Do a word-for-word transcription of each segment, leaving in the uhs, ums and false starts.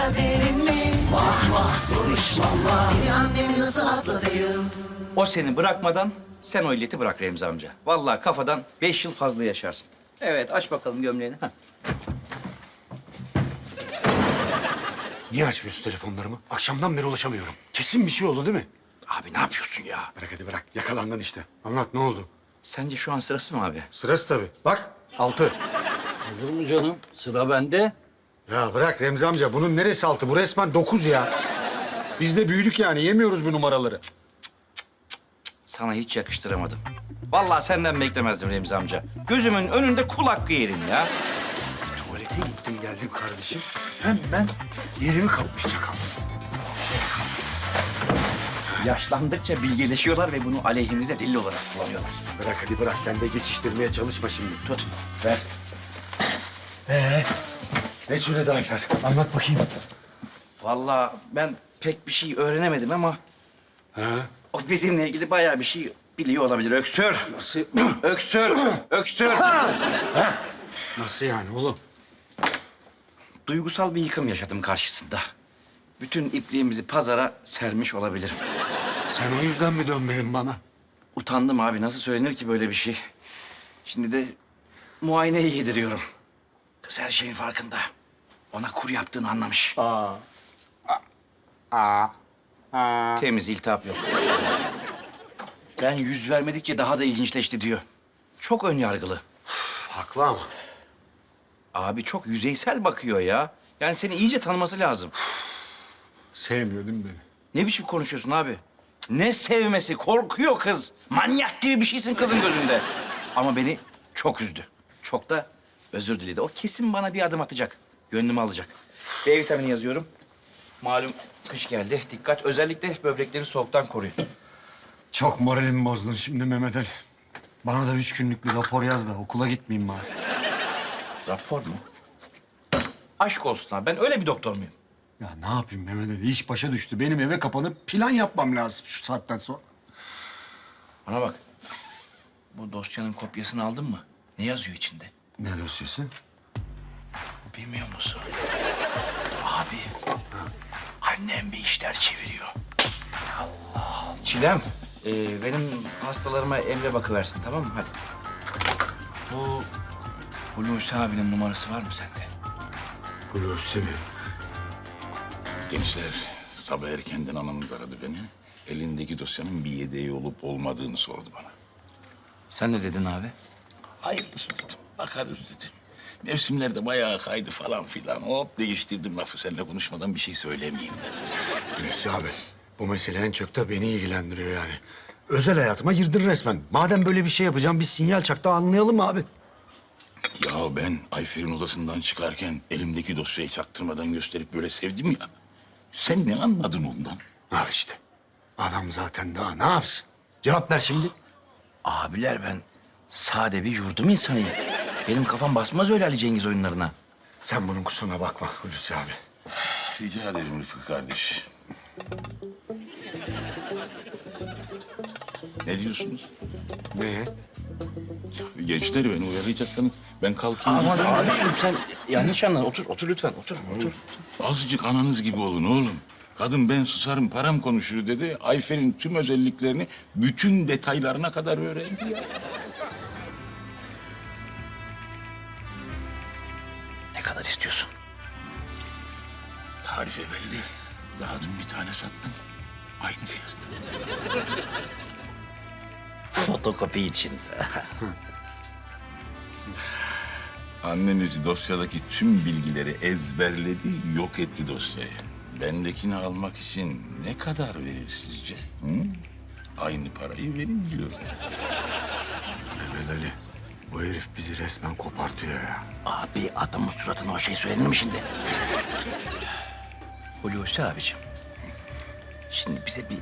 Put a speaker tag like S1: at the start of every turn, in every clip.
S1: kaderin mi? Vah vah zor iş valla. Seni annemi nasıl atlatayım?
S2: O seni bırakmadan sen o illeti bırak Remzi amca. Vallahi kafadan beş yıl fazla yaşarsın. Evet, aç bakalım gömleğini. Heh.
S3: Niye açmıyorsun telefonlarımı? Akşamdan beri ulaşamıyorum. Kesin bir şey oldu değil mi?
S2: Abi ne yapıyorsun ya?
S3: Bırak hadi bırak. Yakalandın işte. Anlat ne oldu?
S2: Sence şu an sırası mı abi?
S3: Sırası tabii. Bak altı.
S4: Olur mu canım? Sıra bende.
S3: Ya bırak Remzi amca. Bunun neresi altı? Bu resmen dokuz ya. Biz de büyüdük yani. Yemiyoruz bu numaraları.
S2: Sana hiç yakıştıramadım. Vallahi senden beklemezdim Remzi amca. Gözümün önünde kul hakkı yerim ya.
S3: Tuvalete gittim geldim kardeşim. Hemen yerimi kapmış çakal.
S2: Yaşlandıkça bilgeleşiyorlar ve bunu aleyhimize delil olarak kullanıyorlar.
S3: Bırak hadi bırak. Sen de geçiştirmeye çalışma şimdi.
S2: Tut.
S3: Ver. Ee, ne söyledi Ayfer? Anlat bakayım.
S2: Vallahi ben pek bir şey öğrenemedim ama
S3: Ha?
S2: o bizimle ilgili bayağı bir şey biliyor olabilir. Öksür.
S3: Nasıl?
S2: Öksür. Öksür.
S3: Nasıl yani oğlum?
S2: Duygusal bir yıkım yaşadım karşısında. Bütün ipliğimizi pazara sermiş olabilirim.
S3: Sen o yüzden mi dönmedin bana?
S2: Utandım abi. Nasıl söylenir ki böyle bir şey? Şimdi de muayeneyi yediriyorum. Kız her şeyin farkında. Ona kur yaptığını anlamış.
S3: Aa. Aa. Aa.
S2: Temiz, iltihap yok. Ben yüz vermedikçe daha da ilginçleşti diyor. Çok ön yargılı.
S3: Haklı ama.
S2: Abi çok yüzeysel bakıyor ya. Yani seni iyice tanıması lazım.
S3: Sevmiyor değil mi beni?
S2: Ne biçim konuşuyorsun abi? Ne sevmesi? Korkuyor kız. Manyak gibi bir şeysin kızın gözünde. Ama beni çok üzdü. Çok da özür diledi. O kesin bana bir adım atacak. Gönlümü alacak. D vitamini yazıyorum. Malum kış geldi. Dikkat. Özellikle böbrekleri soğuktan koruyun.
S3: Çok moralimi bozdun şimdi Mehmet Ali. Bana da üç günlük bir rapor yaz da okula gitmeyeyim bari.
S2: Rapor mu? Aşk olsun abi. Ben öyle bir doktor muyum?
S3: Ya ne yapayım Mehmet Ali? İş başa düştü. Benim eve kapanıp plan yapmam lazım şu saatten sonra.
S2: Bana bak. Bu dosyanın kopyasını aldın mı? Ne yazıyor içinde?
S3: Ne dosyası?
S2: Bilmiyor musun? Abi, annem bir işler çeviriyor. Allah. Çilem, e, benim hastalarıma Emre bakıversin, tamam mı? Hadi. Bu Hulusi abinin numarası var mı sende?
S3: Hulusi mi?
S5: Gençler, sabah erkenden anamız aradı beni. Elindeki dosyanın bir yedeği olup olmadığını sordu bana.
S2: Sen ne dedin abi?
S5: Hayırlısı dedim, bakarız dedim. Mevsimler de bayağı kaydı falan filan. Hop değiştirdim lafı, seninle konuşmadan bir şey söylemeyeyim dedim.
S3: Hulusi abi, bu mesele en çok da beni ilgilendiriyor yani. Özel hayatıma girdin resmen. Madem böyle bir şey yapacağım, bir sinyal çak da anlayalım abi.
S5: Ya ben Ayfer'in odasından çıkarken elimdeki dosyayı çaktırmadan gösterip böyle sevdim ya. Sen ne anladın ondan?
S3: Al işte. Adam zaten daha ne yapsın? Cevap ver şimdi.
S2: Abiler ben sade bir yurdum insanıyım. Benim kafam basmaz öyle Ali Cengiz oyunlarına.
S3: Sen bunun kusuruna bakma Hulusi abi.
S5: Rica ederim Rıfkı kardeş. Ne diyorsunuz?
S3: Ne?
S5: Gençleri beni uyaracaksanız ben kalkayım.
S2: Aman abiciğim sen yanlış anladın. Otur, otur lütfen. Otur, otur.
S5: Azıcık ananız gibi olun oğlum. Kadın ben susarım param konuşur dedi. Ayfer'in tüm özelliklerini bütün detaylarına kadar öğrendi ya.
S2: Ne kadar istiyorsun?
S5: Tarife belli. Daha dün bir tane sattım. Aynı fiyat.
S2: Fotokopi için.
S5: Anneniz dosyadaki tüm bilgileri ezberledi, yok etti dosyayı. Bendekini almak için ne kadar verir sizce? Hı? Aynı parayı verin diyor.
S3: Mehmet Ali, bu herif bizi resmen kopartıyor ya.
S2: Abi adamın suratına o şey söylenir mi şimdi? Hulusi abicim. Şimdi bize bir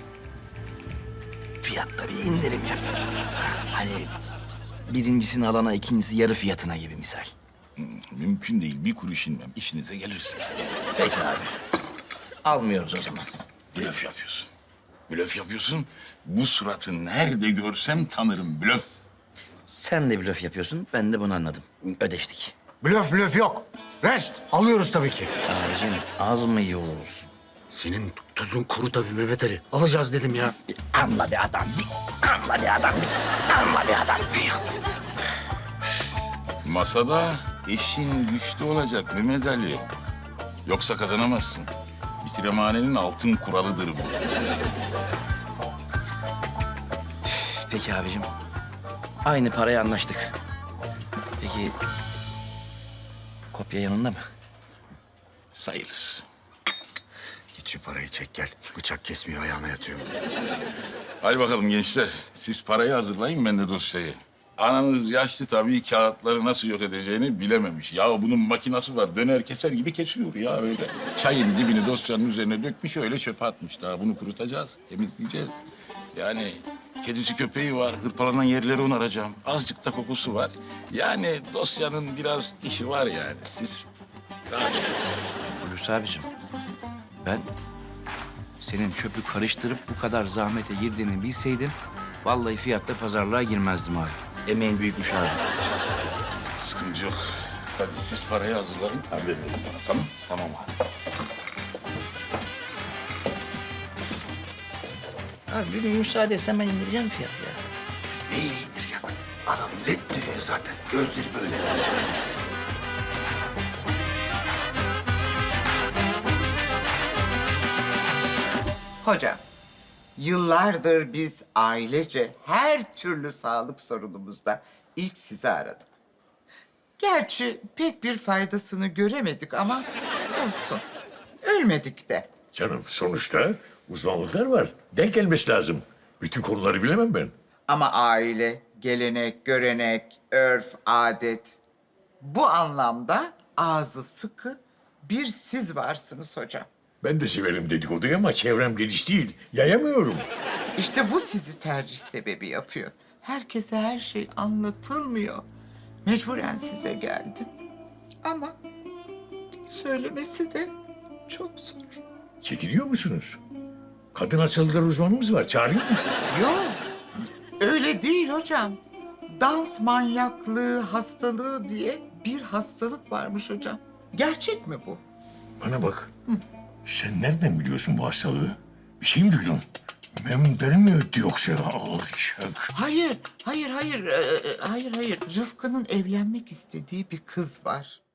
S2: fiyatta bir indirim yap. Hani birincisini alana ikincisi yarı fiyatına gibi misal.
S5: Mümkün değil, bir kuruş inmem. İşinize gelirse.
S2: Peki abi. Almıyoruz o zaman.
S5: Blöf yapıyorsun. Blöf yapıyorsun. Bu suratı nerede görsem tanırım. Blöf.
S2: Sen de blöf yapıyorsun. Ben de bunu anladım. Ödeştik.
S3: Blöf blöf yok. Rest. Alıyoruz tabii ki.
S2: Abicim az mı yiyoruz?
S3: Senin tuzun kuru tabii Mehmet Ali. Alacağız dedim ya.
S2: Anla bir adam, bir anla bir adam, bir anla bir adam.
S5: Masada eşin güçlü olacak Mehmet Ali. Yoksa kazanamazsın. Bitiremanenin altın kuralıdır bu.
S2: Peki abicim. Aynı paraya anlaştık. Peki kopya yanında mı?
S5: Sayılır.
S3: Git şu parayı çek gel. Bıçak kesmiyor ayağına yatıyor.
S5: Hadi bakalım gençler. Siz parayı hazırlayın, ben de dosyayı. Ananız yaşlı tabii, kağıtları nasıl yok edeceğini bilememiş. Ya bunun makinası var, döner keser gibi kesiyor ya öyle. Çayın dibini dosyanın üzerine dökmüş, öyle çöpe atmış. Daha bunu kurutacağız, temizleyeceğiz. Yani kedisi köpeği var, hırpalanan yerleri onaracağım. Azıcık da kokusu var. Yani dosyanın biraz işi var yani. Siz rahat olun.
S2: Hulusi abicim, ben senin çöpü karıştırıp bu kadar zahmete girdiğini bilseydim... ...vallahi fiyatta pazarlığa girmezdim abi. Emeğin büyükmüş abi.
S5: Sıkıntı yok. Hadi siz parayı hazırlayın, haber verin bana, tamam?
S2: Tamam abi. Abi bir müsaade etsen ben indireceğim fiyatı ya.
S3: Neyi indireceğim? Adam led diyor zaten. Gözleri böyle.
S6: Hocam, yıllardır biz ailece her türlü sağlık sorunumuzda ilk sizi aradık. Gerçi pek bir faydasını göremedik ama olsun. Ölmedik de.
S7: Canım sonuçta uzmanlıklar var. Denk gelmesi lazım. Bütün konuları bilemem ben.
S6: Ama aile, gelenek, görenek, örf, adet... Bu anlamda ağzı sıkı bir siz varsınız hocam.
S7: Ben de severim dedikoduyu ama çevrem geniş değil. Yayamıyorum.
S6: İşte bu sizi tercih sebebi yapıyor. Herkese her şey anlatılmıyor. Mecburen size geldim. Ama söylemesi de çok zor.
S7: Çekiliyor musunuz? Kadın hastalıkları uzmanımız var. Çağırayım mı?
S6: Yok, öyle değil hocam. Dans manyaklığı hastalığı diye bir hastalık varmış hocam. Gerçek mi bu?
S7: Bana bak. Sen nereden biliyorsun bu hastalığı? Bir şey mi duydun? Memnun mi öttü yoksa? Alçak.
S6: Hayır, hayır, hayır, ee, hayır, hayır. Rıfkı'nın evlenmek istediği bir kız var.